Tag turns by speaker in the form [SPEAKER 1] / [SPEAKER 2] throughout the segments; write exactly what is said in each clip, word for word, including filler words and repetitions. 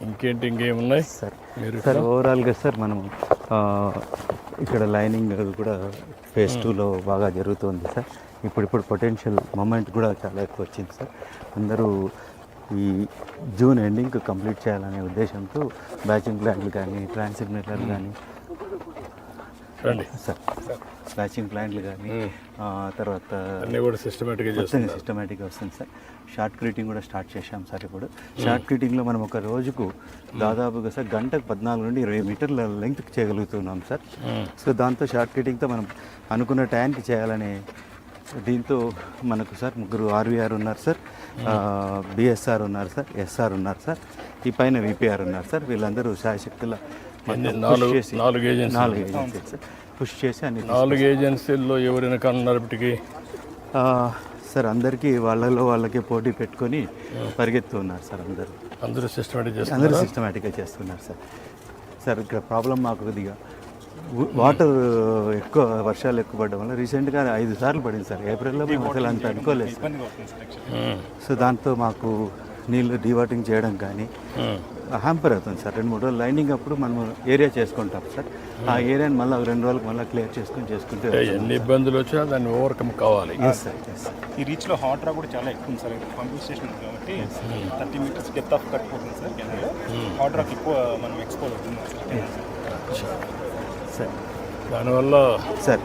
[SPEAKER 1] ఇంకేంటి ఇంకేమున్నాయి
[SPEAKER 2] సార్
[SPEAKER 1] మీరు
[SPEAKER 2] సార్ ఓవరాల్గా సార్ మనం ఇక్కడ లైనింగ్ కూడా ఫేజ్ టూలో బాగా జరుగుతుంది సార్. ఇప్పుడు ఇప్పుడు పొటెన్షియల్ మూమెంట్ కూడా చాలా ఎక్కువ వచ్చింది సార్. అందరూ ఈ జూన్ ఎండింగ్కి కంప్లీట్ చేయాలనే ఉద్దేశంతో బ్యాచింగ్ ప్లాంట్లు కానీ ట్రాన్సిగ్నేటర్లు కానీ
[SPEAKER 1] రండి
[SPEAKER 2] సార్ బ్యాచింగ్ ప్లాంట్లు కానీ తర్వాత
[SPEAKER 1] అన్నీ కూడా సిస్టమేటిక్గా
[SPEAKER 2] మొత్తం సిస్టమేటిక్గా వస్తుంది సార్. షార్ట్ క్రీటింగ్ కూడా స్టార్ట్ చేశాం సార్. ఇప్పుడు షార్ట్ క్రీటింగ్లో మనం ఒక రోజుకు దాదాపుగా సార్ గంటకు పద్నాలుగు నుండి ఇరవై మీటర్ల లెంగ్త్ చేయగలుగుతున్నాం సార్. సో దాంతో షార్ట్ క్రీటింగ్తో మనం అనుకున్న టైంకి చేయాలనే దీంతో మనకు సార్ ముగ్గురు ఆర్వీఆర్ ఉన్నారు సార్, బిఎస్ఆర్ ఉన్నారు సార్, ఎస్ఆర్ ఉన్నారు సార్, ఈ పైన విపిఆర్ ఉన్నారు సార్. వీళ్ళందరూ శాయశక్తుల
[SPEAKER 1] నాలుగు నాలుగు ఏజెన్సీ
[SPEAKER 2] నాలుగు ఏజెన్సీ సార్ పుష్ చేసి అన్ని
[SPEAKER 1] నాలుగు ఏజెన్సీల్లో ఎవరైనా కన్నారప్పటికి
[SPEAKER 2] సార్ అందరికీ వాళ్ళలో వాళ్ళకే పోటీ పెట్టుకొని పరిగెత్తున్నారు సార్. అందరూ
[SPEAKER 1] అందరూ సిస్టమేటిక్ చేస్తారు
[SPEAKER 2] అందరూ సిస్టమేటిక్గా చేస్తున్నారు సార్. సార్ ఇక్కడ ప్రాబ్లం మాకు కొద్దిగా వాటర్ ఎక్కువ వర్షాలు ఎక్కువ పడడం వల్ల రీసెంట్గా ఐదు సార్లు పడింది సార్. ఏప్రిల్లో మేము అసలు అంత అనుకోలేదు సార్. సో దాంతో మాకు నీళ్ళు డీవాటింగ్ చేయడం కానీ హ్యాంపర్ అవుతుంది సార్. రెండు మూడు రోజులు లైనింగ్ అప్పుడు మనం ఏరియా చేసుకుంటాం సార్. ఆ ఏరియాని మళ్ళీ రెండు రోజులకు మళ్ళీ క్లియర్ చేసుకుని చేసుకుంటే
[SPEAKER 1] ఎన్ని ఇబ్బందులు వచ్చినా దాన్ని ఓవర్కమ్ కావాలి.
[SPEAKER 2] సార్
[SPEAKER 3] ఈ రీచ్లో హాట్ రా కూడా చాలా ఎక్కువ ఉంది సార్. పంపింగ్ స్టేషన్ ఉంది కాబట్టి thirty metres depth of cut పోతుంది సార్. కెనాల్లో హాట్ రాక్ ఎక్కువ మనం ఎక్స్పోజ్ అవుతుంది
[SPEAKER 2] సార్.
[SPEAKER 1] దానివల్ల
[SPEAKER 2] సార్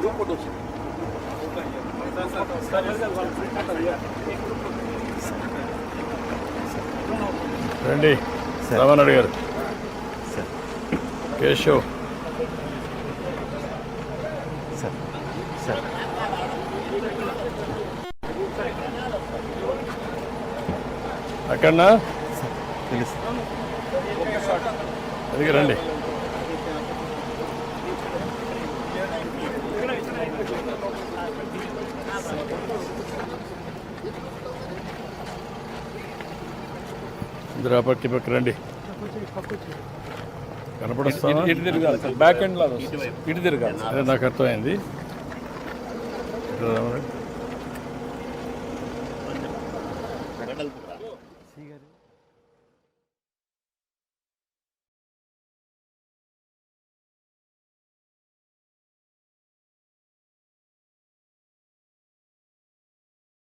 [SPEAKER 1] రండి రామనాయుడు గారు,
[SPEAKER 2] సార్
[SPEAKER 1] కేశవ్
[SPEAKER 2] సార్ సార్
[SPEAKER 1] అక్కడనా
[SPEAKER 2] తెలుసు
[SPEAKER 1] అది రండి. ఇద్దరు ఆ పక్క పక్క రండి. కనపడుస్తావా?
[SPEAKER 3] ఇటు తిరగాలి సార్. బ్యాక్ ఎండ్ లాగా ఇటు తిరగాలి.
[SPEAKER 1] అదే నాకు అర్థమైంది.